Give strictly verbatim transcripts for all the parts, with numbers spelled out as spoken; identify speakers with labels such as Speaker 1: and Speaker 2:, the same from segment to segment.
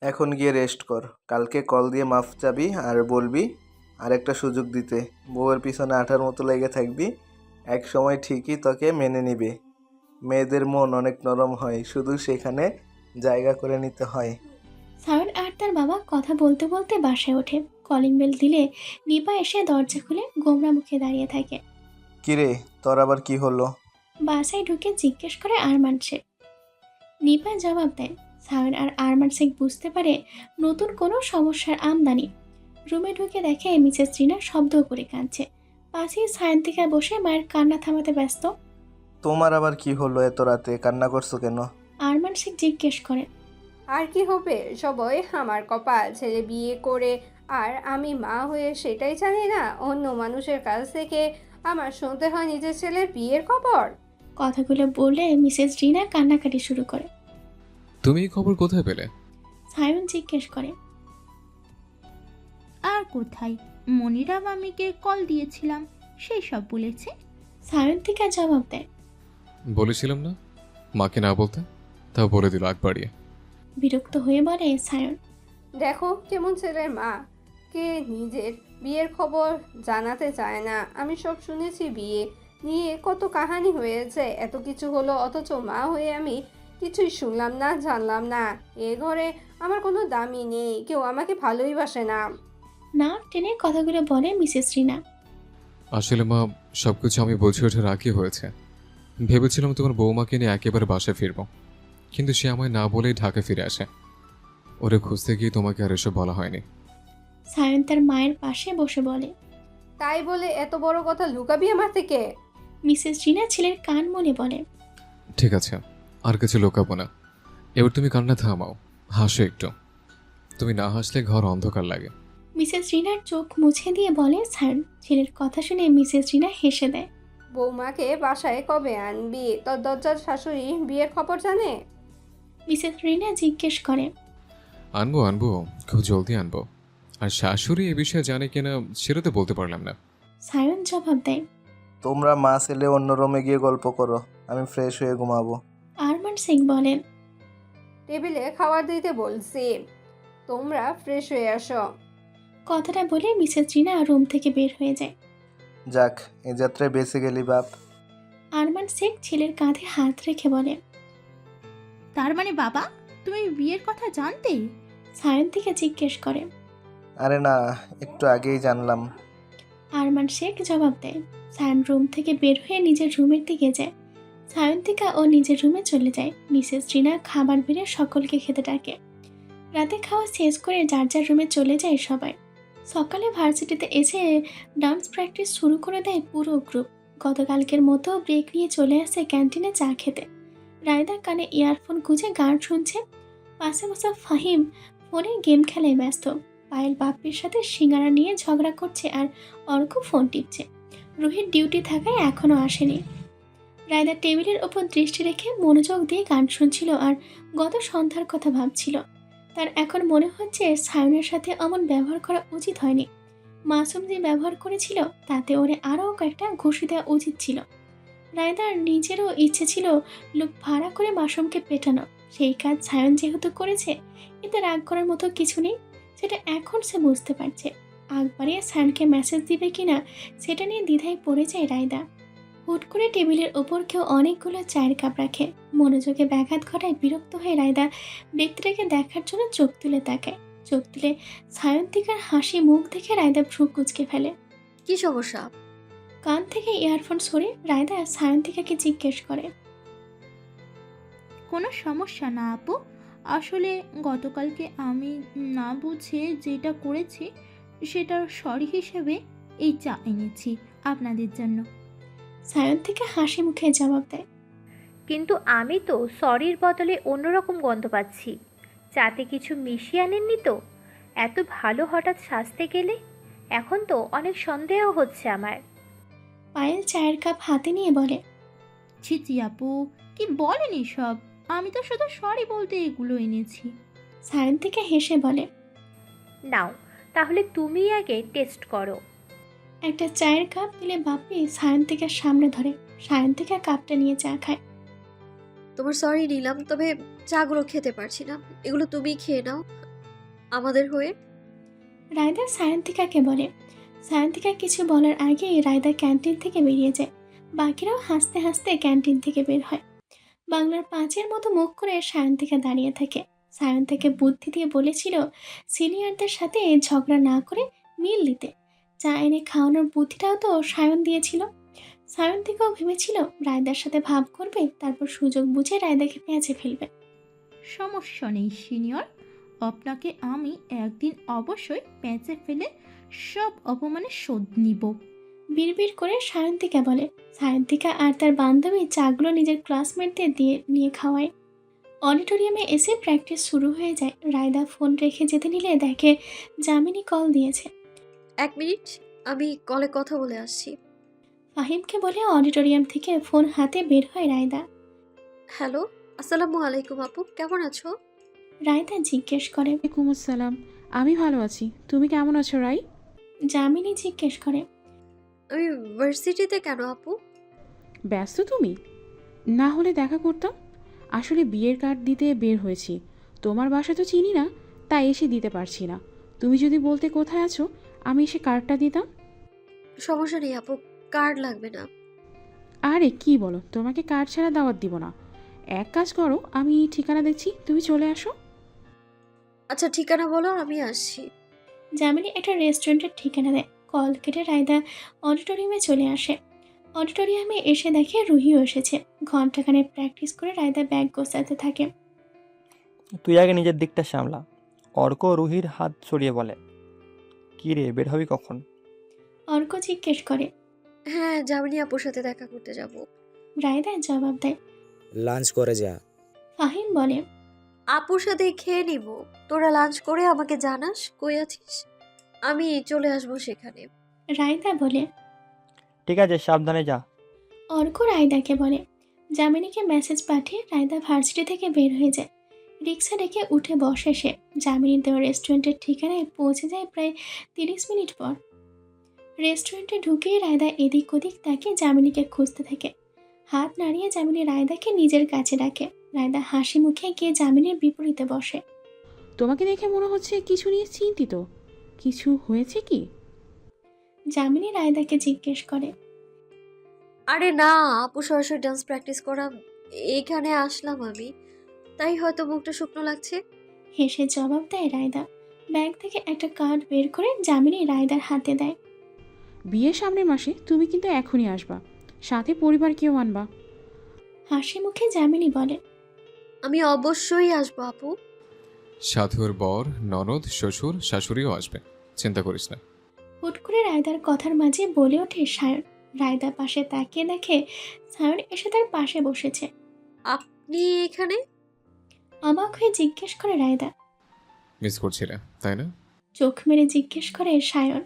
Speaker 1: এখন গিয়ে রেস্ট কর, কালকে কল দিয়ে মাফ চাবি আর বলবি আরেকটা সুযোগ দিতে। বউয়ের পিছনে আঠার মতো লেগে থাকবি, এক সময় ঠিকই তোকে মেনে নিবে। মেয়েদের মন অনেক নরম হয়, শুধু সেখানে জায়গা করে নিতে হয়।
Speaker 2: সায়ন আর তার বাবা কথা বলতে বলতে বাসায় ওঠে। কলিং বেল দিলে নিপা এসে দরজা খুলে গোমরা মুখে দাঁড়িয়ে থাকে।
Speaker 1: কিরে, তোর আবার কি হলো?
Speaker 2: বাসায় ঢুকে জিজ্ঞেস করে আরমান শেখ। নিপা জবাব দেয়। সায়ন আর আরমান শেখ বুঝতে পারে নতুন কোনো সমস্যার আমদানি। রুমে ঢুকে দেখে মিসেস রিনা শব্দ করে কাঁদছে। পাশেই সায়ন্তিকা বসে মায়ের কান্না থামাতে ব্যস্ত।
Speaker 1: তোমার আবার কি হলো, এত রাতে কান্না করছো কেন?
Speaker 2: আরমান শেখ জিজ্ঞেস করে।
Speaker 3: আর কি হবে, সবই আমার কপাল। ছেলে বিয়ে করে আর আমি মা হয়ে সেটাই জানি না, অন্য মানুষের কাছ থেকে আমার শুনতে হয় নিজের ছেলের বিয়ের খবর।
Speaker 2: কথাগুলো বলে মিসেস রিনা কান্নাকাটি শুরু করে।
Speaker 4: তুমি এই খবর কোথায় পেলে?
Speaker 2: সায়ন জিজ্ঞেস করে।
Speaker 5: আর কোথায়, মনিরা মামিকে কল দিয়েছিলাম, সেই সব বলেছে।
Speaker 2: সায়ন্তিকা জবাব দেয়।
Speaker 4: বলেছিলাম না মাকে না বলতে, তাও বলে দিল আগ বাড়িয়ে।
Speaker 2: বিরক্ত হয়ে বলে সায়ন।
Speaker 3: দেখো কেমন ছেলের মা, কে নিজের বিয়ের খবর জানাতে চায় না। আমি সব শুনেছি, বিয়ে নিয়ে কত কাহানি হয়েছে, এত কিছু হলো, অথচ মা হয়ে আমি কিছুই শুনলাম না, জানলাম না। এ ঘরে আমার কোনো দামই নেই, কেউ আমাকে ভালোই বাসে না।
Speaker 2: না টেনে কথাগুলো বলে মিসেস রিনা।
Speaker 4: আসলে মা, সবকিছু আমি বুঝে ওঠার আগে হয়েছে। ভেবেছিলাম তোমার বৌমাকে নিয়ে একেবারে বাসায় ফিরবো, কিন্তু সে আমায় না বলেই ঢাকা ফিরে আসে। ওরে খুঁজতে গিয়ে তোমাকে আর এসব বলা হয়নি।
Speaker 2: সায়ন তার মায়ের পাশে বসে বলে।
Speaker 3: তাই বলে এত বড় কথা লুকাবি আমার থেকে?
Speaker 2: মিসেস রিনা ছেলের কান মনে বলে।
Speaker 4: ঠিক আছে, আর কিছু লোকাবো না। এবার তুমি কান্না থামাও, হাসো একটু। তুমি না হাসলে ঘর অন্ধকার লাগে।
Speaker 2: মিসেস রিনার চোখ মুছে দিয়ে বলে সায়ন। ছেলের কথা শুনে মিসেস রিনা হেসে দেয়।
Speaker 3: বৌমাকে বাসায় কবে আনবি? তোর দরজার শাশুড়ি বিয়ের খবর জানে?
Speaker 2: মিসেস রিনা জিজ্ঞেস করে।
Speaker 4: আনবো আনবো, খুব জলদি আনবো। আর শাশুড়ি এ বিষয়ে জানে কিনা সেটা তো বলতে পারলাম না।
Speaker 2: সায়ন জবাব দেয়।
Speaker 1: তোমরা মা ছেলে অন্য রুমে গিয়ে গল্প করো, আমি ফ্রেশ হয়ে ঘুমাবো।
Speaker 2: আরমান সিং বলেন।
Speaker 3: টেবিলে খাবার দিতে বলছি, তোমরা ফ্রেশ হয়ে আসো।
Speaker 2: কথাটা বলে মিসেস রিনা রুম থেকে বের হয়ে যায়।
Speaker 1: যাক, এই যাত্রায় বেঁচে গেলি বাপ।
Speaker 2: আরমান শেখ ছেলের কাঁধে হাত রেখে বলে।
Speaker 5: তার মানে বাবা, তুমি বিয়ের কথা জানতে?
Speaker 2: সায়ন থেকে জিজ্ঞেস করে।
Speaker 1: আরে না, একটু আগেই জানলাম।
Speaker 2: আরমান শেখ জবাব দেয়। সায়ন রুম থেকে বের হয়ে নিজের রুমের দিকে যায়। সায়ন্তিকা ও নিজের রুমে চলে যায়। মিসেস রিনা খাবার বেড়ে সকলকে খেতে ডাকে। রাতে খাওয়া শেষ করে যার যার রুমে চলে যায় সবাই। সকালে ভার্সিটিতে এসে ডান্স প্র্যাকটিস শুরু করে দেয় পুরো গ্রুপ। গতকালকের মতো ব্রেক নিয়ে চলে আসে ক্যান্টিনে চা খেতে। রায়দা কানে ইয়ারফোন গুঁজে গান শুনছে। পাশে বসা ফাহিম ফোনে গেম খেলায় ব্যস্ত। পায়েল বাপ্পির সাথে সিঙ্গারা নিয়ে ঝগড়া করছে আর অর্ক ফোন টিপছে। রুহির ডিউটি থাকায় এখনও আসেনি। রায়দা টেবিলের ওপর দৃষ্টি রেখে মনোযোগ দিয়ে গান শুনছিল আর গত সন্ধ্যার কথা ভাবছিল। তার এখন মনে হচ্ছে সায়নের সাথে অমন ব্যবহার করা উচিত হয়নি। মাসুম যে ব্যবহার করেছিল তাতে ওরে আরও কয়েকটা ঘুষি দেওয়া উচিত ছিল। রায়দার নিজেরও ইচ্ছে ছিল লোক ভাড়া করে মাসুমকে পেটানো। সেই কাজ সায়ন যেহেতু করেছে, এতে রাগ করার মতো কিছু নেই, সেটা এখন সে বুঝতে পারছে। আগ বাড়িয়ে সায়নকে মেসেজ দিবে কিনা সেটা নিয়ে দ্বিধায় পড়ে যায় রায়দা। হুট করে টেবিলের ওপর কেউ অনেকগুলো চায়ের কাপ রাখে। মনোযোগে ব্যাঘাত ঘটায় বিরক্ত হয়ে রায়দা ব্যক্তিটাকে দেখার জন্য চোখ তুলে তাকায়। চোখ তুলে সায়ন্তিকার হাসি মুখ দেখে রায়দা ভ্রু কুঁচকে ফেলে।
Speaker 6: কি সমস্যা?
Speaker 2: কান থেকে ইয়ারফোন সরে রায়দা সায়ন্তিকাকে জিজ্ঞেস করে।
Speaker 5: কোনো সমস্যা না আপু, আসলে গতকালকে আমি না বুঝে যেটা করেছি সেটার সরি হিসেবে এই চা এনেছি আপনাদের জন্য।
Speaker 2: সায়ন্তিকা হাসি মুখে জবাব দেয়।
Speaker 7: কিন্তু আমি তো সরির বদলে অন্যরকম গন্ধ পাচ্ছি। চাতে কিছু মিশিয়ে আনেননি তো? এত ভালো হঠাৎ সাজতে গেলে এখন তো অনেক সন্দেহ হচ্ছে আমার।
Speaker 2: পায়েল চায়ের কাপ হাতে নিয়ে বলে।
Speaker 5: ছি ছি আপু, কি বলেন সব? আমি তো শুধু সরি বলতে এগুলো এনেছি।
Speaker 2: সায়ন্তিকা হেসে বলে।
Speaker 7: নাও তাহলে তুমি আগে টেস্ট করো।
Speaker 2: একটা চায়ের কাপ দিলে বাপি সায়ন্তিকার সামনে ধরে। সায়ন্তিকা কাপটা নিয়ে চা খায়।
Speaker 6: তোমার সরি নিলাম, তবে চাগুলো খেতে পারছি না, এগুলো তুমি খেয়ে নাও। আমাদের হয়ে?
Speaker 2: রায়দা সায়ন্তিকাকে বলে। সায়ন্তিকা কিছু বলার আগেই রায়দা ক্যান্টিন থেকে বেরিয়ে যায়। বাকিরাও হাসতে হাসতে ক্যান্টিন থেকে বের হয়। বাংলার পাঁচের মতো মুখ করে সায়ন্তিকা দাঁড়িয়ে থাকে। সায়ন্তিকা বুদ্ধি দিয়ে বলেছিল সিনিয়রদের সাথে ঝগড়া না করে মিল দিতে। চা এনে খাওয়ানোর বুদ্ধিটাও তো সায়ন দিয়েছিল। সায়ন্তিকাও ভেবেছিল রায়দার সাথে ভাব করবে, তারপর সুযোগ বুঝে রায়দাকে পেঁচে ফেলবে।
Speaker 5: সমস্যা নেই সিনিয়র, আপনাকে আমি একদিন অবশ্যই প্যাঁচে ফেলে সব অপমানের শোধ নিব।
Speaker 2: বিড়বিড় করে সায়ন্তিকা বলে। সায়ন্তিকা আর তার বান্ধবী চাগুলো নিজের ক্লাসমেটদের দিয়ে নিয়ে খাওয়ায়। অডিটোরিয়ামে এসে প্র্যাকটিস শুরু হয়ে যায়। রায়দা ফোন রেখে যেতে নিলে দেখে যামিনী কল দিয়েছে।
Speaker 6: এক মিনিট, আমি কলে কথা বলে আসছি।
Speaker 2: ফাহিমকে বলে অডিটোরিয়াম থেকে ফোন হাতে বের হয় রায়দা।
Speaker 6: হ্যালো, আসসালামু আলাইকুম আপু, কেমন আছো?
Speaker 2: রায়দা জিজ্ঞেস করে।
Speaker 8: ওয়ালাইকুম আসসালাম, আমি ভালো আছি। তুমি কেমন আছো রাই?
Speaker 2: যামিনী জিজ্ঞেস করে।
Speaker 6: আমি ভার্সিটিতে কেন আপু?
Speaker 8: ব্যস্ত তুমি? না হলে দেখা করতাম। আসলে বিয়ের কার্ড দিতে বের হয়েছি। তোমার বাসা তো চিনি না, তাই এসে দিতে পারছি না। তুমি যদি বলতে কোথায় আছো, আমি এসে কার্ডটা দিতাম।
Speaker 6: সমস্যা নেই আপু, কার্ড লাগবে না।
Speaker 8: আরে কি বলো, তোমাকে কার্ড ছাড়া দাওয়াত দিব না। এক কাজ করো, আমি ঠিকানা দেখছি, তুমি চলে আসো।
Speaker 6: আচ্ছা ঠিকানা বলো, আমি আসছি।
Speaker 2: যামিনী একটা রেস্টুরেন্টের ঠিকানা দেয়। কল কেটে রায়দা অডিটোরিয়ামে চলে আসে। অডিটোরিয়ামে এসে দেখে রুহিও এসেছে। ঘন্টাখানে প্র্যাকটিস করে রায়দা ব্যাগ গোছাতে থাকে।
Speaker 9: তুই আগে নিজের দিকটা সামলা। অর্ক রুহির হাত সরিয়ে বলে, কি রে, বের হবি কখন?
Speaker 2: অর্ক জিজ্ঞেস করে।
Speaker 6: হ্যাঁ, যামিনী আপুর সাথে দেখা করতে যাব।
Speaker 2: রায়দা জবাব দেয়।
Speaker 10: লাঞ্চ করে যা।
Speaker 2: ফাহিম বলে।
Speaker 6: আপুর সাথে খেয়ে নিব, তোরা লাঞ্চ করে আমাকে জানাস কই আছিস, আমি চলে আসবো সেখানে।
Speaker 2: রায়দা বলে।
Speaker 9: ঠিক আছে, সাবধানে যা।
Speaker 2: অর্ক রায়দাকে বলে। যামিনীকে মেসেজ পাঠিয়ে রায়দা ভার্সিটি থেকে বের হয়ে যায়। রিক্সা ডেকে উঠে বসে সে। যামিনীর দেওয়া রেস্টুরেন্টের ঠিকানায় পৌঁছে যায় প্রায় তিরিশ মিনিট পর। রেস্টুরেন্টে ঢুকেই রায়দা এদিক ওদিক তাকে যামিনীকে খুঁজতে থাকে। হাত নাড়িয়ে যামিনী রায়দাকে নিজের কাছে ডাকে। রায়দা হাসি মুখে গিয়ে যামিনীর বিপরীতে বসে।
Speaker 8: তোমাকে দেখে মনে হচ্ছে কিছু নিয়ে চিন্তিত। কিছু হয়েছে কি?
Speaker 2: যামিনী রায়দাকে জিজ্ঞেস করে।
Speaker 6: আরে না আপু, সরাসরি ডান্স প্র্যাকটিস করা, এইখানে আসলাম আমি, তাই হয়তো মুখটা শুকনো লাগছে।
Speaker 2: হেসে জবাব দেয় রায়দা। ব্যাগ থেকে একটা কার্ড বের করে যামিনী রায়দার হাতে দেয়।
Speaker 8: বিয়ের সামনের মাসে তুমি কিন্তু এখনই আসবা, সাথে পরিবারকেও আনবা।
Speaker 2: হাসি মুখে যামিনী বলে।
Speaker 6: আমি অবশ্যই আসবো আপু।
Speaker 4: সাথে ওর বর, ননদ, শ্বশুর, শাশুড়িও আসবে, চিন্তা করিস না।
Speaker 2: হুট করে রায়দার কথার মাঝে বলে ওঠে সায়ন। রায়দা পাশে তাকিয়ে দেখে সায়ন এসে তার পাশে বসেছে।
Speaker 6: আপনি এখানে?
Speaker 2: অবাক হয়ে জিজ্ঞেস করে রায়দা।
Speaker 4: মিস করছিলে তাই না?
Speaker 2: চোখ মেরে জিজ্ঞেস করে সায়ন।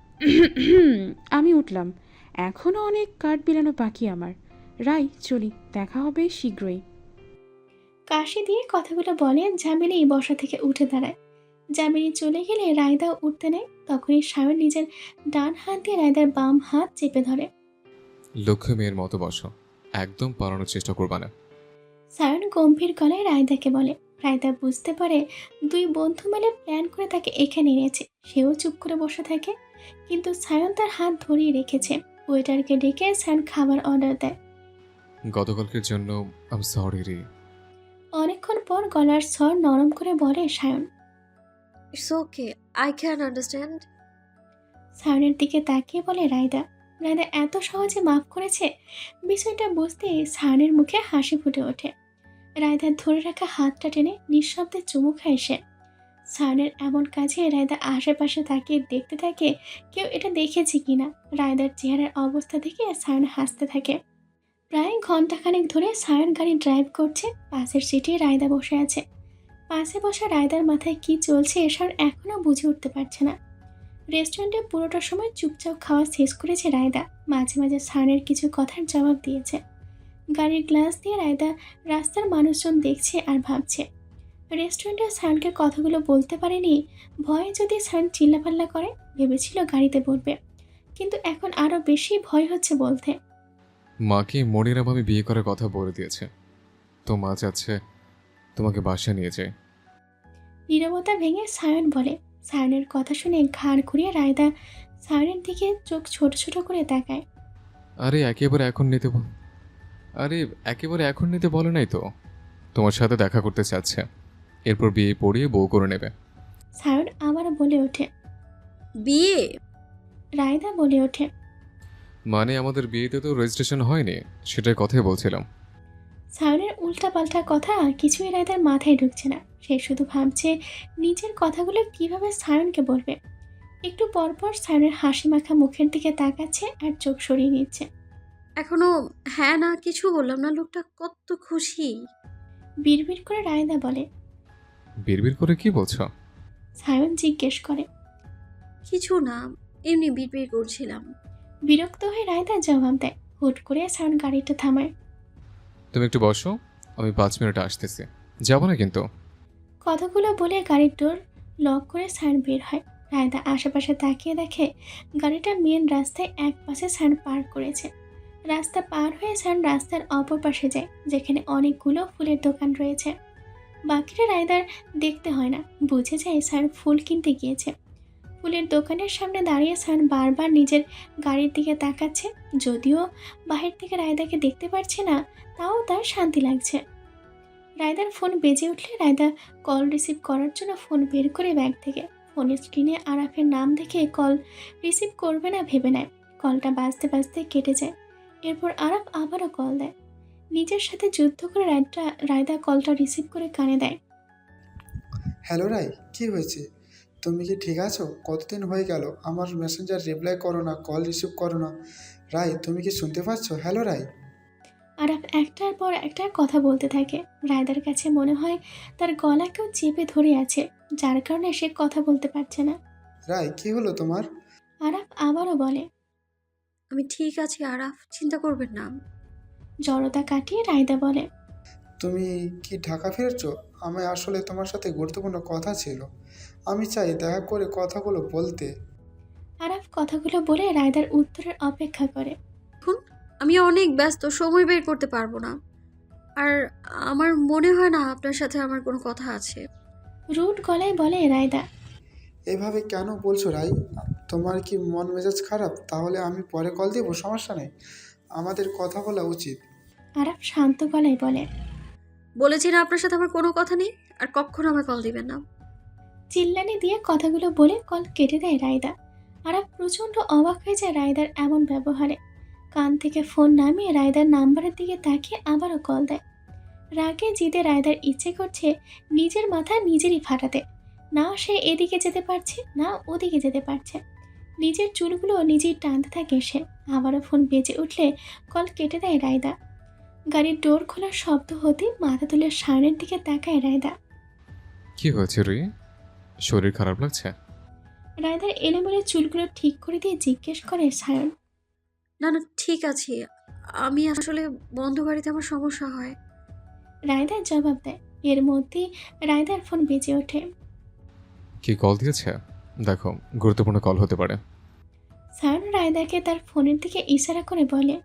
Speaker 8: আমি উঠলাম, এখনও অনেক কার্ড বিলানো বাকি আমার। রাই চলি, দেখা হবে শীঘ্রই।
Speaker 2: কাশি দিয়ে কথাগুলো বলে যামিনী বসা থেকে উঠে দাঁড়ায়। যামিনী চলে গেলে রায়দাও উঠতে নেয়। তখনই সায়ন নিজের ডান হাত দিয়ে রায়দার বাম হাত চেপে ধরে।
Speaker 4: লক্ষ্য মেয়ের মতো বসো, একদম পালানোর চেষ্টা করবা না।
Speaker 2: সায়ন গম্ভীর গলায় রায়দাকে বলে। রায়দা বুঝতে পারে দুই বন্ধু মিলে প্ল্যান করে তাকে এখানে এনেছে। সেও চুপ করে বসে থাকে, কিন্তু সায়ন তার হাত ধরিয়ে রেখেছে। ওয়েটারকে ডেকে সায়ন খাবার অর্ডার দেয়।
Speaker 4: গতকালকের জন্য আম সরি রে।
Speaker 2: অনেকক্ষণ পর গলার স্বর নরম করে বলে Sayan.
Speaker 6: It's okay, I can understand.
Speaker 2: সায়নের দিকে তাকিয়ে বলে রায়দা। রায়দা এত সহজে মাফ করেছে, বিষয়টা বুঝতে সায়নের মুখে হাসি ফুটে ওঠে। রায়দার ধরে রাখা হাতটা টেনে নিঃশব্দে চুমু খায় সে। সায়নের এমন কাজে রায়দা আশেপাশে তাকিয়ে দেখতে থাকে কেউ এটা দেখেছে কিনা। রায়দার চেহারার অবস্থা দেখে সায়ন হাসতে থাকে। প্রায় ঘন্টাখানেক ধরে সায়ন গাড়ি ড্রাইভ করছে। পাশের সিটে রায়দা বসে আছে। পাশে বসা রায়দার মাথায় কি চলছে এসব এখনও বুঝে উঠতে পারছে না। রেস্টুরেন্টে পুরোটা সময় চুপচাপ খাওয়া শেষ করেছে রায়দা। মাঝে মাঝে সায়নের কিছু কথার জবাব দিয়েছে। গাড়ির গ্লাস দিয়ে রায়দা রাস্তার মানুষজন দেখছে আর ভাবছে। রেস্টুরেন্টে সায়নকে কথাগুলো বলতে পারেনি, ভয়ে যদি সায়ন চিল্লাপাল্লা করে। ভেবেছিল গাড়িতে বলবে, কিন্তু এখন আরও বেশি ভয় হচ্ছে বলতে।
Speaker 4: মাকে মনিরা ভাবে বিয়ে করার কথা বলে দিয়েছে, তো মা চাচ্ছে তোমাকে বাসায় নিয়ে যায়।
Speaker 2: নীরবতা ভেঙে সায়ন বলে। সায়নের কথা শুনে ঘাড় ঘুরিয়ে রায়দা সায়নের দিকে চোখ ছোট ছোট করে তাকায়।
Speaker 4: আরে একেবারে এখন নিতে বল আরে একেবারে এখন নিতে বলে নাই তো, তোমার সাথে দেখা করতে চাচ্ছে, এরপর বিয়ে পড়িয়ে বউ করে নেবে।
Speaker 2: সায়ন আবারও বলে ওঠে।
Speaker 6: বিয়ে?
Speaker 2: রায়দা বলে ওঠে।
Speaker 4: মানে আমাদের বিয়েতে তো রেজিস্ট্রেশন হয়নি, সেটার কথাই বলছিলাম।
Speaker 2: সায়নের উল্টাপাল্টা কথা কিছুই রায়দার মাথায় ঢুকছে না। সে শুধু ভাবছে নিজের কথাগুলো কিভাবে সায়নকে বলবে। একটু পরপর সায়নের হাসি মাখা মুখের দিকে তাকাচ্ছে আর চোখ সরিয়ে নিচ্ছে।
Speaker 6: এখনো হ্যাঁ না কিছু বললাম না, লোকটা কত খুশি।
Speaker 2: বিড়বিড় করে রায়দা বলে।
Speaker 4: বিড়বিড় করে কি বলছো?
Speaker 2: সায়ন জিজ্ঞেস করে।
Speaker 6: কিছু না, এমনি বিড়বিড় করছিলাম।
Speaker 2: বিরক্ত হয়ে রায়দা জবাব দেয়। হুট করে সায়ন গাড়িটা থামায়।
Speaker 4: তুমি একটু বসো, আমি পাঁচ মিনিট আসতেছি, যাবো না কিন্তু।
Speaker 2: কথাগুলো বলে গাড়ির ডোর লক করে সায়ন বের হয়। রায়দা আশেপাশে তাকিয়ে দেখে গাড়িটা মেন রাস্তায় এক পাশে সায়ন পার্ক করেছে। রাস্তা পার হয়ে সায়ন রাস্তার অপর পাশে যায়, যেখানে অনেকগুলো ফুলের দোকান রয়েছে। বাকিটা রায়দার দেখতে হয় না, বুঝে যায় সায়ন ফুল কিনতে গিয়েছে। ফুলের দোকানের সামনে দাঁড়িয়ে সায়ন বারবার নিজের গাড়ির দিকে তাকাচ্ছে। যদিও বাহির থেকে রায়দাকে দেখতে পারছে না, তাও তার শান্তি লাগছে। রায়দার ফোন বেজে উঠলে রায়দা কল রিসিভ করার জন্য ফোন বের করে ব্যাগ থেকে ফোনের স্ক্রিনে আরাফের নাম দেখে কল রিসিভ করবে না ভেবে নেয়। কলটা বাজতে বাজতে কেটে যায়। এরপর আরাফ আবারও কল দেয়। নিজের সাথে যুদ্ধ করে রায়দা রায়দা কলটা রিসিভ করে কানে দেয়।
Speaker 10: হ্যালো রাই, কি হয়েছে? তুমি কি ঠিক আছো? কতদিন হয়ে গেল আমার মেসেঞ্জার রিপ্লাই করো না, কল রিসিভ করো না। রাই, তুমি কি শুনতে পাচ্ছ? হ্যালো রাই।
Speaker 2: আরাফ একটার পর একটা কথা বলতে থাকে। রায়দার কাছে মনে হয় তার গলা কেউ চেপে ধরে আছে, যার কারণে সে কথা বলতে পারছে না।
Speaker 10: রাই, কি হলো তোমার?
Speaker 2: আরাফ আবারও বলে।
Speaker 6: আমি ঠিক আছি আরাফ, চিন্তা করবেন না।
Speaker 2: জড়তা কাটিয়ে রায়দা বলে।
Speaker 10: তুমি কি ঢাকা ফিরেছো? আমি আসলে তোমার সাথে গুরুত্বপূর্ণ কথা ছিল, আমি চাই দেখা করে কথাগুলো বলতে।
Speaker 2: আরাফ কথাগুলো বলে রায়দার উত্তরের অপেক্ষা করে।
Speaker 6: দেখুন, আমি অনেক ব্যস্ত, সময় বের করতে পারবো না। আর আমার মনে হয় না আপনার সাথে আমার কোনো কথা আছে।
Speaker 2: রুট গলায় বলে রায়দা।
Speaker 10: এভাবে কেন বলছো রাই? তোমার কি মন মেজাজ খারাপ? তাহলে আমি পরে কল দেবো, সমস্যা নেই, আমাদের কথা বলা উচিত।
Speaker 2: আরাফ শান্ত গলায় বলে।
Speaker 6: বলেছি না আপনার সাথে আমার কোনো কথা নেই, আর কখনো আমার কল দিবেন না।
Speaker 2: চিল্লানি দিয়ে কথাগুলো বলে কল কেটে দেয় রায়দা। আরাফ প্রচণ্ড অবাক হয়ে যায় রায়দার এমন ব্যবহারে। কান থেকে ফোন নামিয়ে রায়দার নাম্বারের দিকে তাকিয়ে আবারও কল দেয়। রাগে জিদে রায়দার ইচ্ছে করছে নিজের মাথা নিজেরই ফাটাতে। না সে এদিকে যেতে পারছে, না ওদিকে যেতে পারছে। নিজের চুলগুলো নিজেই টানতে থাকে সে। আবারও ফোন বেজে উঠলে কল কেটে দেয় রায়দা। গাড়ির ডোর খোলার শব্দ হতে মাথা তুলে সায়নের দিকে তাকায় রায়দা।
Speaker 4: কি হয়েছে রুই, শরীর খারাপ লাগছে?
Speaker 2: রায়দার এলোমেলো চুলগুলো ঠিক করে দিয়ে জিজ্ঞেস করে সায়ন।
Speaker 6: না না ঠিক আছে, আমি আসলে বন্ধ বাড়িতে আমার সমস্যা হয়।
Speaker 2: রায়দার জবাব দেয়। এর মধ্যেই রায়দার ফোন বেজে ওঠে।
Speaker 4: কি কল দিয়েছে? দেখো, গুরুত্বপূর্ণ কল হতে পারে।
Speaker 2: সায়ন রায়দাকে তার ফোনের দিকে ইশারা করে বলে।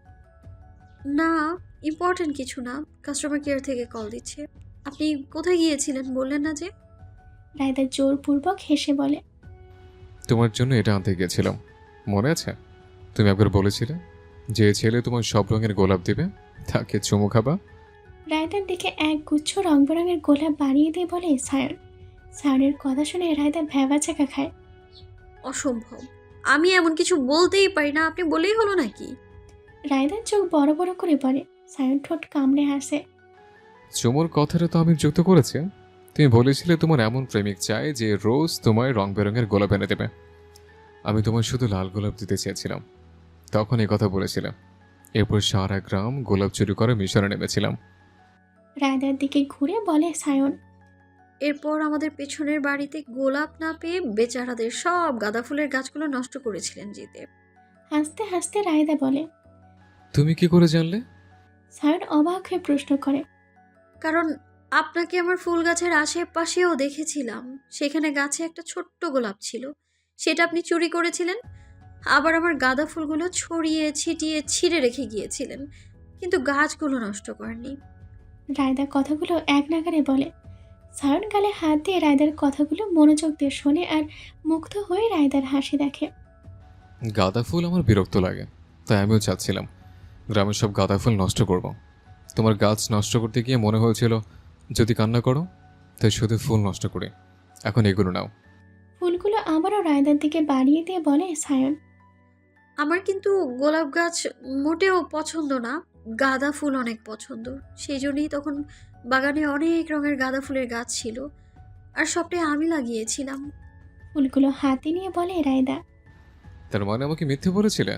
Speaker 6: না, ইম্পর্টেন্ট কিছু না, কাস্টমার কেয়ার থেকে কল দিচ্ছে। আপনি কোথায় গিয়েছিলেন বললেন না যে?
Speaker 2: রায়দা জোরপূর্বক হেসে বলে।
Speaker 4: তোমার জন্য এটা আনতে গিয়েছিলাম, মনে আছে? তুমি একবার বলেছিলে যে ছেলে তোমার সব রঙের গোলাপ দিবে তাকে চুমু খাবা।
Speaker 2: রায়দার দিকে এক গুচ্ছ রং বেরঙের গোলাপ বাড়িয়ে দিয়ে বলে সায়ন। সায়নের কথা শুনে রায়দা ভ্যাবা চাকা খায়।
Speaker 6: অসম্ভব, আমি এমন কিছু বলতেই পারি না, আপনি বলেই হলো নাকি?
Speaker 2: রায়দার চোখ বড় বড় করে বলে। সায়ন ঠোঁট কামড়ে হাসে।
Speaker 4: চুমুর কথাটা তো আমি যুক্ত করেছি। তুমি বলেছিলে তোমার এমন প্রেমিক চাই যে রোজ তোমায় রং বেরঙের গোলাপ এনে দেবে। আমি তোমার শুধু লাল গোলাপ দিতে চেয়েছিলাম, তখন এই কথা বলেছিলাম। এরপর সারা গ্রাম গোলাপ চুরি করে মিশনে নেমেছিলাম।
Speaker 2: রায়দার দিকে ঘুরে বলে সায়ন।
Speaker 6: এরপর আমাদের পেছনের বাড়িতে গোলাপ না পেয়ে বেচারাদের সব গাঁদা ফুলের গাছগুলো নষ্ট করেছিলেন জিতে।
Speaker 2: হাসতে হাসতে রায়দা বলে।
Speaker 4: তুমি কি করে জানলে?
Speaker 2: সায়ন অবাক হয়ে প্রশ্ন করে।
Speaker 6: কারণ আপনাকে আমার ফুল গাছের আশেপাশেও দেখেছিলাম, সেখানে গাছে একটা ছোট্ট গোলাপ ছিল, সেটা আপনি চুরি করেছিলেন। আবার আমার গাঁদা ফুলগুলো ছড়িয়ে ছিটিয়ে ছিঁড়ে রেখে গিয়েছিলেন, কিন্তু গাছগুলো নষ্ট করেননি।
Speaker 2: রায়দা কথাগুলো এক নাগারে বলে। সায়ন গালে হাত দিয়ে রায়দার কথাগুলো মনোযোগ দিয়ে শোনে আর মুগ্ধ হয়ে রায়দার হাসি দেখে।
Speaker 4: গাঁদা ফুল আমার বিরক্ত লাগে, তাই আমিও চাচ্ছিলাম গ্রামের সব গাঁদা ফুল নষ্ট করব। তোমার গাছ নষ্ট করতে গিয়ে মনে হয়েছিল যদি কান্না করো তাই শুধু ফুল নষ্ট করি। এখন এগুলো নাও।
Speaker 2: ফুলগুলো আবারও রায়দার দিকে বাড়িয়ে দিয়ে বলে সায়ন।
Speaker 6: আমার কিন্তু গোলাপ গাছ মোটেও পছন্দ না, গাঁদা ফুল অনেক পছন্দ। সেই জন্যই তখন বাগানে অনেক রঙের গাঁদা ফুলের গাছ ছিল, আর সবটাই আমি লাগিয়েছিলাম।
Speaker 2: ফুলগুলো হাতে নিয়ে বলে রায়দা।
Speaker 4: তার মানে আমাকে মিথ্যে বলেছিলে?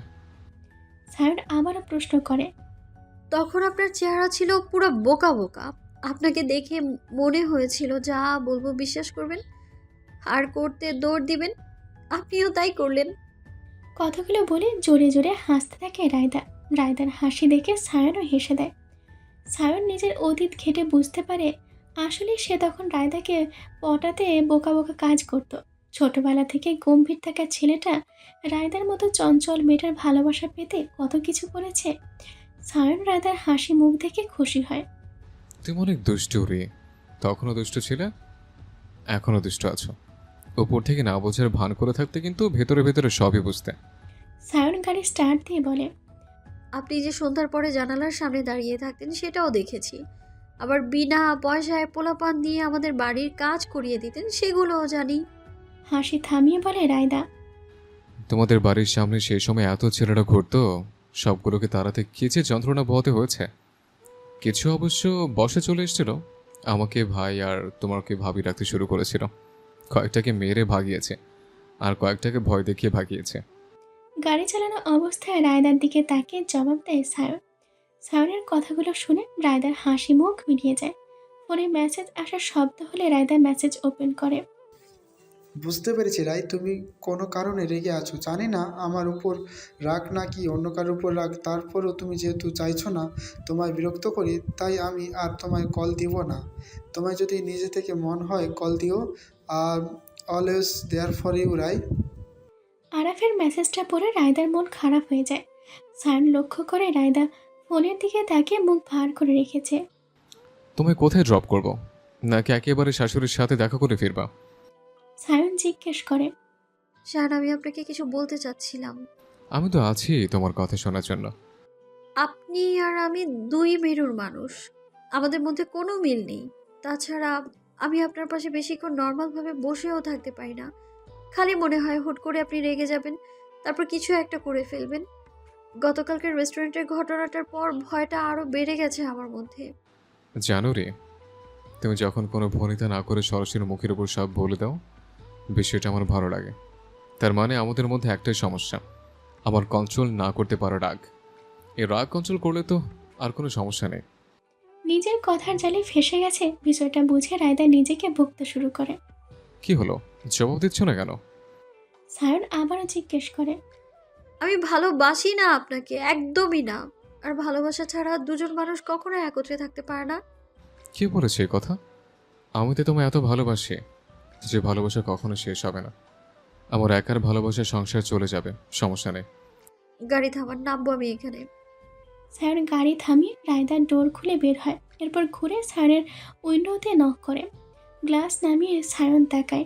Speaker 2: সায়ন আবারও প্রশ্ন করে।
Speaker 6: তখন আপনার চেহারা ছিল পুরো বোকা বোকা। আপনাকে দেখে মনে হয়েছিল যা বলবো বিশ্বাস করবেন আর করতে দৌড় দিবেন, আপনিও তাই করলেন।
Speaker 2: কথাগুলো বলে জোরে জোরে হাসতে থাকে রায়দা। রায়দার হাসি দেখে সায়নও হেসে দেয়। সায়ন নিজের অতীত ঘেটে বুঝতে পারে আসলে সে তখন রায়দাকে পটাতে বোকা বোকা কাজ করত। ছোটবেলা থেকে গম্ভীর থাকা ছেলেটা রায়দার মতো চঞ্চল মেয়েটার ভালোবাসা পেতে কত কিছু করেছে। সায়ন রায়দার হাসি মুখ দেখে খুশি হয়।
Speaker 4: তুমি অনেক দুষ্টু রে, তখনও দুষ্ট ছিলে, এখনও দুষ্ট আছো। উপর থেকে না বোঝার ভান করে থাকতে কিন্তু ভেতরে ভেতরে সবই বুঝতে।
Speaker 2: সায়ন গাড়ি স্টার্ট দিয়ে বলে।
Speaker 6: আপনি যে সন্ধ্যার পরে জানালার সামনে দাঁড়িয়ে থাকতেন সেটাও দেখেছি। আবার বিনা পয়সায় পোলাপান দিয়ে আমাদের বাড়ির কাজ করিয়ে দিতেন সেগুলোও জানি।
Speaker 2: হাসি থামিয়ে বলে রায়দা।
Speaker 4: তোমাদের বাড়ির সামনে সেই সময় এত ছেলেরা ঘুরতো, সবগুলোকে তাড়াতে কি যে যন্ত্রণা বহতে হয়েছে। কিছু অবশ্য বসে চলে এসেছিল, আমাকে ভাই আর তোমাকে ভাবি রাখতে শুরু করেছিল। কয়েকটাকে মেরে ভাগিয়েছে আর কয়েকটাকে ভয় দেখিয়ে ভাগিয়েছে।
Speaker 2: গাড়ি চালানো অবস্থায় রায়দার দিকে তাকিয়ে জবাব দেয় সায়ন। সায়নের কথাগুলো শুনে রায়দার হাসি মুখ মিলিয়ে যায়। ফোনে মেসেজ আসার শব্দ হলে রায়দা মেসেজ ওপেন করে।
Speaker 10: বুঝতে পেরেছি রাই, তুমি কোনো কারণে রেগে আছো। জানি না আমার উপর রাগ না কি অন্য কারোর উপর রাগ, তারপরও তুমি যেহেতু চাইছো না তোমায় বিরক্ত করি, তাই আমি আর তোমায় কল দিব না। তোমায় যদি নিজে থেকে মন হয় কল দিও। আর always there for you Rai.
Speaker 2: আরাফের মেসেজটা পড়ে রায়দার মন খারাপ হয়ে যায়। সায়ন লক্ষ্য করে রায়দা ফোনের দিকে তাকিয়ে মুখ ভার করে রেখেছে।
Speaker 4: তোমায় কোথায় ড্রপ করব, নাকি একেবারে শাশুড়ির সাথে দেখা করে ফিরবা?
Speaker 2: সায়ন জিজ্ঞেস করে।
Speaker 6: শাহান, আমি আপনাকে কিছু বলতে চাচ্ছিলাম।
Speaker 4: আমি তো আছি তোমার কথা শোনার জন্য।
Speaker 6: আপনি আর আমি দুই মেরুর মানুষ, আমাদের মধ্যে কোনো মিল নেই। তাছাড়া আমি আপনার পাশে বেশিক্ষণ নর্মালভাবে বসেও থাকতে পারি না। খালি মনে হয় হুট করে আপনি রেগে যাবেন, তারপর কিছু একটা করে ফেলবেন। গতকালকের রেস্টুরেন্টের ঘটনাটার পর ভয়টা আরও বেড়ে গেছে আমার মধ্যে।
Speaker 4: জানো রে, তুমি যখন কোনো ভনিতা না করে সরাসরি মুখের উপর সব বলে দাও, বিষয়টা আমার ভালো লাগে। তার মানে আমাদের মধ্যে একটাই সমস্যা, আমার কন্ট্রোল না করতে পারা রাগ। এই রাগ কন্ট্রোল করলে তো আর কোনো সমস্যা নেই।
Speaker 2: নিজের কথার জালে ফেসে গেছে বিষয়টা বুঝে রায়দা নিজেকে বকতে শুরু করে।
Speaker 4: কি হলো, জবাব দিচ্ছ না কেন?
Speaker 2: সায়ন আবারও জিজ্ঞেস করে।
Speaker 6: আমি ভালোবাসি না আপনাকে, একদমই না। আর ভালোবাসা ছাড়া দুজন মানুষ কখনো একত্রে থাকতে পারে না।
Speaker 4: কে বলেছে এই কথা? আমি তো তোমায় এত ভালোবাসি যে ভালোবাসা কখনো শেষ হবে না। আমার একার ভালোবাসা সংসার চলে যাবে, সমস্যা নেই।
Speaker 6: গাড়ি থামান, নামবো আমি এখানে।
Speaker 2: সায়ন গাড়ি থামিয়ে রায়দার ডোর খুলে বের হয়। এরপর ঘুরে সায়নের উইন্ডোতে নক করে। গ্লাস নামিয়ে সায়ন তাকায়।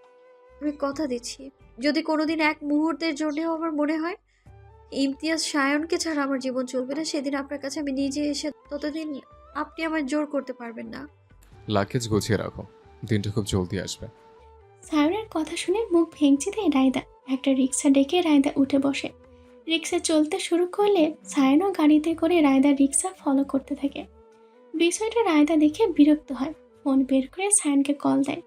Speaker 6: আমি কথা দিচ্ছি, যদি কোনোদিন এক মুহূর্তের জন্যও আমার মনে হয় ইমতিয়াজ সায়নকে ছাড়া আমার জীবন চলবে না, সেদিন আপনার কাছে আমি নিজে এসে ততদিন আপনি আমার জোর করতে পারবেন না।
Speaker 4: লাগেজ গুছিয়ে রাখো, দিনটা খুব জলদি আসবে।
Speaker 2: সায়নের কথা শুনে মুখ ভেঙচি দেয় রায়দা। একটা রিক্সা ডেকে রায়দা উঠে বসে। রিক্সা চলতে শুরু করলে সায়নও গাড়িতে করে রায়দার রিক্সা ফলো করতে থাকে। বিষয়টা রায়দা দেখে বিরক্ত হয়। ফোন বের করে সায়নকে কল দেয়।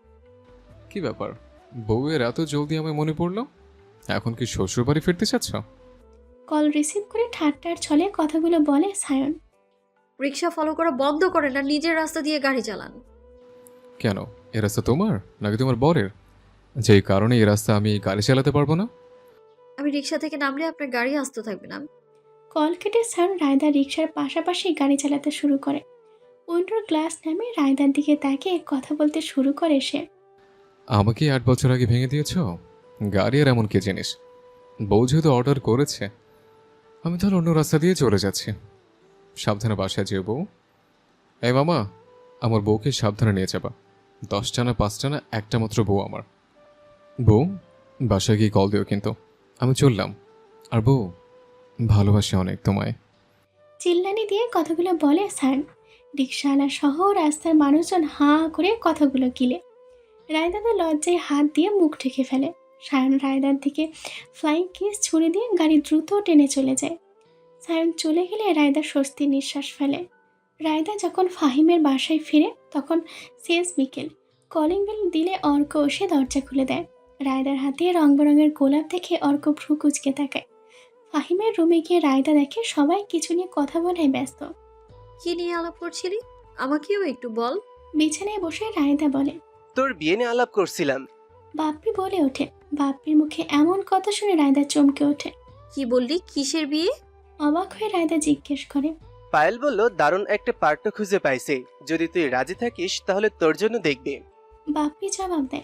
Speaker 4: কি ব্যাপার, বউয়ের এত জলদি আমায় মনে পড়লো? এখন কি শ্বশুর বাড়ি ফিরতে চাচ্ছ?
Speaker 2: কল রিসিভ করে ঠাট্টার ছলে কথাগুলো বলে সায়ন।
Speaker 6: রিক্সা ফলো করা বন্ধ করেন না, নিজের রাস্তা দিয়ে গাড়ি চালান।
Speaker 4: কেন, এ রাস্তা তোমার নাকি তোমার বরের, যেই কারণে এই রাস্তা আমি গাড়ি চালাতে পারবো না?
Speaker 6: আমি রিক্সা থেকে নামলে আপনার গাড়ি আসতে থাকবে না।
Speaker 2: কল কেটে সায়ন রায়দার রিক্সার পাশাপাশি গাড়ি চালাতে শুরু করে। উইন্ডোর গ্লাস নামে রায়দার দিকে তাকিয়ে কথা বলতে শুরু করে সে।
Speaker 4: আমাকে আট বছর আগে ভেঙে দিয়েছ, গাড়ি আর এমন কি জিনিস। বউ যেহেতু অর্ডার করেছে, আমি তাহলে অন্য রাস্তা দিয়ে চলে যাচ্ছি। সাবধানে বাসায় যেও বউ। এই মামা, আমার বউকে সাবধানে নিয়ে যাবা। দশটা না পাঁচটা না একটা মাত্র বউ আমার। বউ, বাসায় গিয়ে কল দিও কিন্তু। আমি চললাম। আর বউ, ভালোবাসি অনেক তোমায়।
Speaker 2: চিল্লানি দিয়ে কথাগুলো বলে সায়ন। রিক্সাওয়ালা সহ রাস্তার মানুষজন হাঁ করে কথাগুলো গিলে। রায়দা তো লজ্জায় হাত দিয়ে মুখ ঢেকে ফেলে। সায়ন রায়দার দিকে ফ্লাইং কিস ছুড়ে দিয়ে গাড়ি দ্রুত টেনে চলে যায়। সায়ন চলে গেলে রায়দা স্বস্তির নিঃশ্বাস ফেলে। রায়দা যখন ফাহিমের বাসায় ফিরে তখন শেষ বিকেল। কলিং বেল দিলে অর্ক এসে দরজা খুলে দেয়। রায়দার হাতে রং বেরঙের গোলাপ দেখে অর্ক ভ্রু কুচকে তাকায়। ফাহিমের রুমে গিয়ে রায়দা দেখে সবাই কিছু নিয়ে কথা বলায় ব্যস্ত।
Speaker 6: কি নিয়ে আলাপ করছিলি? আমাকেও একটু বল।
Speaker 2: বিছানায় বসে রায়দা বলে,
Speaker 11: তোর বিয়ে নিয়ে আলাপ করছিলাম।
Speaker 2: বাপ্পি বলে ওঠে। বাপ্পির মুখে এমন কথা শুনে রায়দা চমকে ওঠে।
Speaker 6: কি বললি? কিসের বিয়ে?
Speaker 2: অবাক হয়ে রায়দা জিজ্ঞেস করে।
Speaker 11: পায়েল বলল দারুণ একটা পার্ট খুঁজে পাইছে, যদি তুই রাজি থাকিস তাহলে তোর জন্য দেখবে।
Speaker 2: বাপ্পি জবাব দেয়,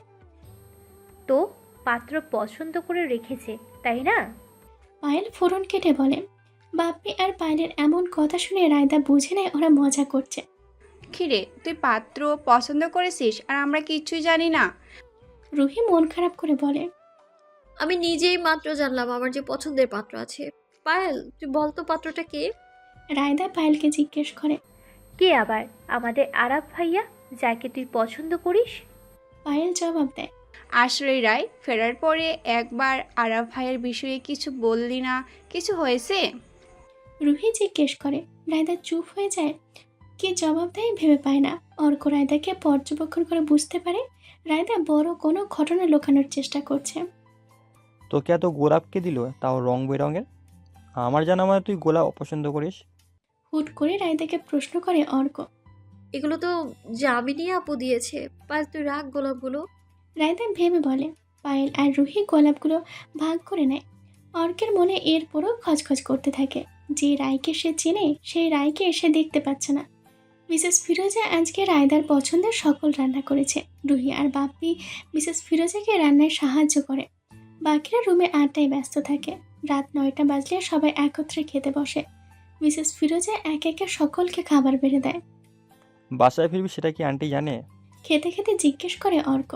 Speaker 7: তো পাত্র পছন্দ করে রেখেছে তাই না?
Speaker 2: পায়েল ফোরন কেটে বলে। বাপ্পি আর পায়েলের এমন কথা শুনে রায়দা বুঝে নেয় ওরা মজা করছে।
Speaker 12: কিরে, তুই পাত্র পছন্দ করেছিস আর আমরা কিচ্ছুই জানি না?
Speaker 2: রুহি মন খারাপ করে বলে,
Speaker 6: আমি নিজেই মাত্র জানলাম আমার যে পছন্দের পাত্র আছে। পায়েল, তুই বলতো পাত্রটা কে?
Speaker 2: রায়দা পায়েলকে জিজ্ঞেস করে।
Speaker 7: কে আবার? আমাদের আরাফ ভাইয়া, যাকে তুই পছন্দ করিস।
Speaker 2: পায়েল জবাব দেয়,
Speaker 12: আশ্রয় রায়, ফেরার পরে একবার আরাফ ভাইয়ের বিষয়ে কিছু বললি না, কিছু হয়েছে?
Speaker 2: রুহি জিজ্ঞেস করে। রায়দা চুপ হয়ে যায়। কি জবাব দেয় ভেবে পায় না। অর্ক রায়দাকে পর্যবেক্ষণ করে বুঝতে পারে রায়দা বড় কোনো ঘটনা লুকানোর চেষ্টা করছে।
Speaker 9: তোকে এত গোলাপকে দিল, তাও রং বেরঙের। আমার জানা মানে তুই গোলাপ অপছন্দ করিস।
Speaker 2: হুট করে রায়দাকে প্রশ্ন করে অর্ক।
Speaker 6: এগুলো তো জামিনী আপু দিয়েছে। পায়েল, তুই রাখ গোলাপগুলো।
Speaker 2: রায়দা ভেবে বলে। পায়েল আর রুহি গোলাপগুলো ভাগ করে নেয়। অর্কের মনে এরপরও খচখচ করতে থাকে। যে রায়কে সে চেনে সেই রায়কে সে দেখতে পাচ্ছে না। মিসেস ফিরোজা আজকে রায়দার পছন্দের সকল রান্না করেছে। রুহি আর বাপ্পি মিসেস ফিরোজাকে রান্নায় সাহায্য করে। বাকিরা রুমে আড্ডায় ব্যস্ত থাকে। রাত নয়টা বাজলে সবাই একত্রে খেতে বসে। মিসেস ফিরোজা এক একে সকলকে খাবার বেড়ে দেয়।
Speaker 9: বাসায় ফিরবি সেটা কি আন্টি জানে?
Speaker 2: খেতে খেতে জিজ্ঞেস করে অর্ক।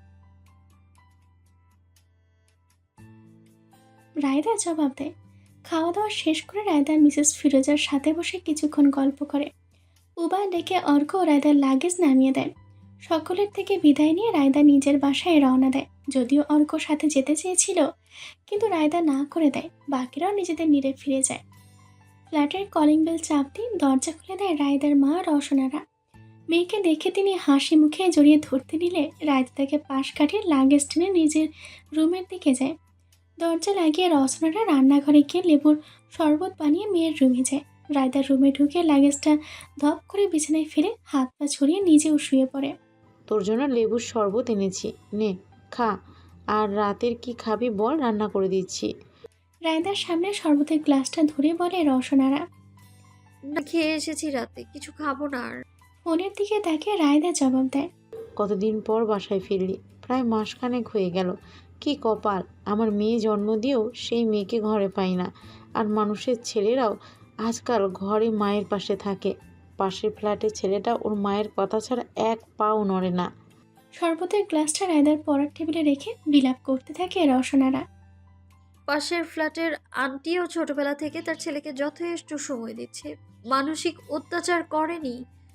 Speaker 2: রায়দা জবাব দেয়। খাওয়া দাওয়া শেষ করে রায়দা মিসেস ফিরোজার সাথে বসে কিছুক্ষণ গল্প করে। উবা ডেকে অর্ক ও রায়দার লাগেজ নামিয়ে দেয়। সকলের থেকে বিদায় নিয়ে রায়দা নিজের বাসায় রওনা দেয়। যদিও অর্ক সাথে যেতে চেয়েছিল, কিন্তু রায়দা না করে দেয়। বাকিরাও নিজেদের নিরে ফিরে যায়। ফ্ল্যাটের কলিং বেল চাপ দিয়ে দরজা খুলে দেয় রায়দার মা রওশনারা। মেয়েকে দেখে তিনি হাসি মুখে জড়িয়ে ধরতে নিলে রায়দা তাকে পাশ কাটিয়ে লাগেজ টেনে নিজের রুমের দিকে যায়। দরজা লাগিয়ে রওশনারা রান্নাঘরে গিয়ে লেবুর শরবত বানিয়ে মেয়ের রুমে যায়। রায়দার রুমে ঢুকে লাগেজটা ধপ করে বিছানায় ফেলে হাত পা ছড়িয়ে নিজেও শুয়ে পড়ে।
Speaker 13: তোর জন্য লেবুর শরবত এনেছি, নে খা। আর রাতের কি খাবি বল, রান্না করে দিচ্ছি।
Speaker 2: রায়দার সামনে শরবতের গ্লাসটা ধরে বলে রওশনারা।
Speaker 6: না, খেয়ে এসেছি রাতে, কিছু খাবো না আর।
Speaker 2: ফোনের দিকে দেখে রায়দা জবাব দেয়।
Speaker 13: কতদিন পর বাসায় ফিরলি? প্রায় মাসখানেক হয়ে গেল। কি কপাল, আমার মেয়ে জন্ম দিয়েও সেই মেয়েকে ঘরে পাই না। আর মানুষের ছেলেরাও আজকাল ঘরে মায়ের পাশে থাকে। পাশের ফ্ল্যাটের ছেলেটা ওর মায়ের কথা ছাড়া এক পাও নড়ে না।
Speaker 2: শরবতের গ্লাসটা রায়দার পড়ার টেবিলে রেখে বিলাপ করতে থাকে রওশনারা।
Speaker 6: পাশের ফ্ল্যাটের আন্টিও ছোটবেলা থেকে তার ছেলেকে যথেষ্ট সময় দিচ্ছে, মানসিক অত্যাচার করেনি।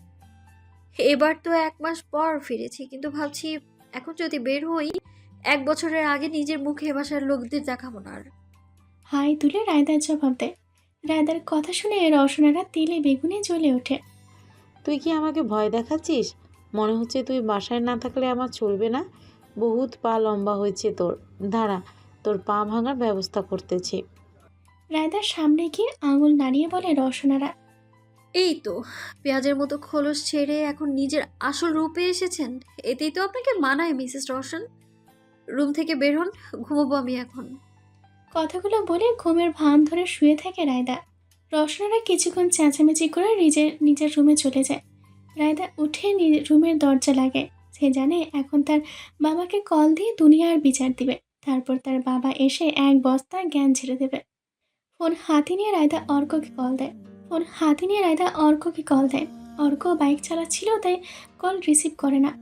Speaker 6: এবার তো এক মাস পর ফিরেছি, কিন্তু ভাবছি এখন যদি বের হই, এক বছরের আগে নিজের মুখে বাসার লোকদের দেখাবো না আর।
Speaker 2: হাই তুলে রায়দার জবাব দেয়। রায়দার কথা শুনে রওশনারা তেলে বেগুনে জ্বলে ওঠে।
Speaker 13: তুই কি আমাকে ভয় দেখাচ্ছিস? মনে হচ্ছে তুই বাসায় না থাকলে আমার চলবে না। বহুত পা লম্বা হয়েছে তোর, দাঁড়া তোর পা ভাঙার ব্যবস্থা করতেছি।
Speaker 2: রায়দার সামনে গিয়ে আঙুল নাড়িয়ে বলে রওশনারা।
Speaker 6: এই তো পেঁয়াজের মতো খোলস ছেড়ে এখন নিজের আসল রূপে এসেছেন। এতেই তো আপনাকে মানায় মিসেস রওশন। রুম থেকে বের হন, ঘুমোবো আমি এখন।
Speaker 2: কথাগুলো বলে ঘুমের ভান ধরে শুয়ে থাকে রায়দা। রওশনারা কিছুক্ষণ চেঁচামেচি করে নিজের নিজের রুমে চলে যায়। রায়দা উঠে রুমের দরজা লাগায়। সে জানে এখন তার বাবাকে কল দিয়ে দুনিয়ার বিচার দিবে। তারপর তার বাবা এসে এক বস্তা জ্ঞান ছেড়ে দেবে। ফোন হাতে নিয়ে রায়দা অর্ককে কল দেয়। ফোন হাতে নিয়ে রায়দা অর্ককে কল দেয়। অর্ক বাইক চালাচ্ছিল, তাই কল রিসিভ করে না।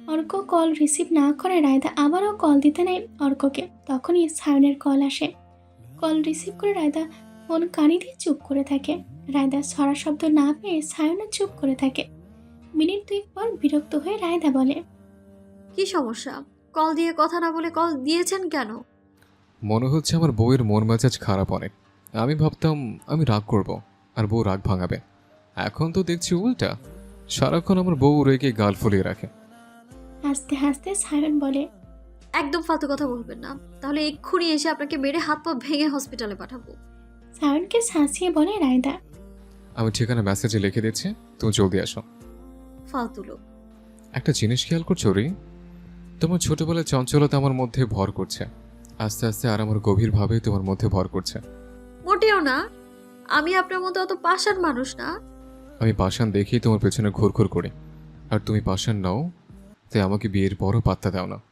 Speaker 2: অর্ক কল রিসিভ না করে রায়দা আবারও কল দিতে নেয় অর্ককে। তখনই সায়নের কল আসে। কল রিসিভ করে রায়দা ফোন কানে দিয়ে চুপ করে থাকে। রায়দা ছড়া শব্দ না পেয়ে সায়নও চুপ করে থাকে। মিনিট দুই পর বিরক্ত হয়ে রায়দা বলে,
Speaker 6: কি সমস্যা? কল দিয়ে কথা না বলে কল দিয়েছেন কেন?
Speaker 4: মনে হচ্ছে আমার বউয়ের মন মেজাজ খারাপ অনেক। আমি ভাবতাম আমি রাগ করব আর বউ রাগ ভাঙাবে, এখন তো দেখছি উল্টা। সারাক্ষণ আমার বউ রেগে গাল ফুলিয়ে রাখে।
Speaker 2: হাসতে হাসতে সায়ন বলে,
Speaker 6: একদম ফালতু কথা বলবেন না, তাহলে এক্ষুনি এসে আপনাকে মেরে হাত পা ভেঙে হসপিটালে পাঠাবো।
Speaker 2: সায়নকে শাসিয়ে বলে রায়দা।
Speaker 4: আমি ঠিকানা মেসেজে লিখে দিচ্ছি, তুমি জলদি আসো।
Speaker 6: ফালতু লোক।
Speaker 4: একটা জিনিস খেয়াল করছো রি, তোমার ছোটবেলার চঞ্চলতা আমার মধ্যে ভর করছে, আস্তে আস্তে আর আমার গভীরভাবে তোমার মধ্যে ভর করছে।
Speaker 6: মোটেও না, আমি আপনার মতো অত পাষাণ মানুষ না।
Speaker 4: আমি পাষাণ দেখেই তোমার পেছনে ঘুরঘুর করি, আর তুমি পাষাণ নাও, তাই আমাকে বিয়ের পরও পাত্তা দাও না।